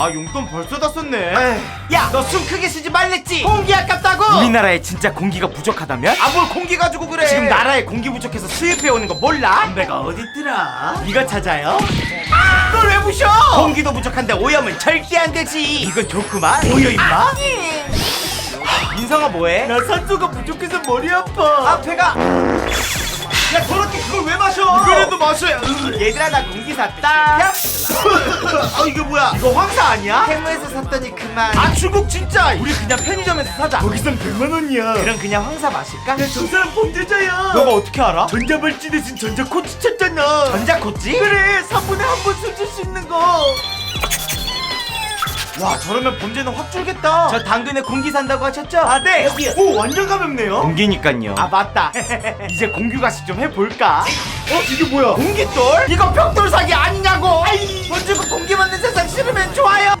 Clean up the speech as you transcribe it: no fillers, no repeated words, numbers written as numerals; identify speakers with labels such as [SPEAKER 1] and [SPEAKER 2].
[SPEAKER 1] 아, 용돈 벌써 다 썼네.
[SPEAKER 2] 야, 너 숨 크게 쉬지 말랬지? 공기 아깝다고!
[SPEAKER 1] 우리나라에 진짜 공기가 부족하다면?
[SPEAKER 2] 아, 뭘 공기 가지고 그래?
[SPEAKER 1] 지금 나라에 공기 부족해서 수입해오는 거 몰라?
[SPEAKER 2] 담배가 어딨더라?
[SPEAKER 1] 이거 찾아요?
[SPEAKER 2] 널 왜 부셔?
[SPEAKER 1] 공기도 부족한데 오염은 절대 안 되지. 이건 좋구만.
[SPEAKER 2] 뭐야, 임마?
[SPEAKER 1] 민성아 뭐해?
[SPEAKER 2] 나 산소가 부족해서 머리 아파.
[SPEAKER 1] 아, 배가.
[SPEAKER 2] 야, 저렇게 그걸 왜 마셔?
[SPEAKER 1] 이거라도 마셔야. 얘들아, 나 공기 샀다. 야,
[SPEAKER 2] 아, 이게 뭐야?
[SPEAKER 1] 이거 황사 아니야? 해무에서 샀더니 그만.
[SPEAKER 2] 아, 중국 진짜!
[SPEAKER 1] 우리 그냥 편의점에서 사자.
[SPEAKER 2] 거기선 100만 원이야.
[SPEAKER 1] 그럼 그냥 황사 마실까?
[SPEAKER 2] 야, 저 사람 범죄자야.
[SPEAKER 1] 너가 어떻게 알아?
[SPEAKER 2] 전자발찌 대신 전자코치 쳤잖아.
[SPEAKER 1] 전자코치?
[SPEAKER 2] 그래, 3분에 한 번 술 줄 수 있는 거.
[SPEAKER 1] 와, 저러면 범죄는 확 줄겠다. 저 당근에 공기 산다고 하셨죠?
[SPEAKER 2] 아, 네. 오, 완전 가볍네요.
[SPEAKER 1] 공기니깐요. 아, 맞다. 이제 공규가식 좀 해볼까?
[SPEAKER 2] 이게 뭐야?
[SPEAKER 1] 공깃돌? 이거 벽돌 사기 아니냐고. 먼저 그 공기 맞는 세상 싫으면 좋아요.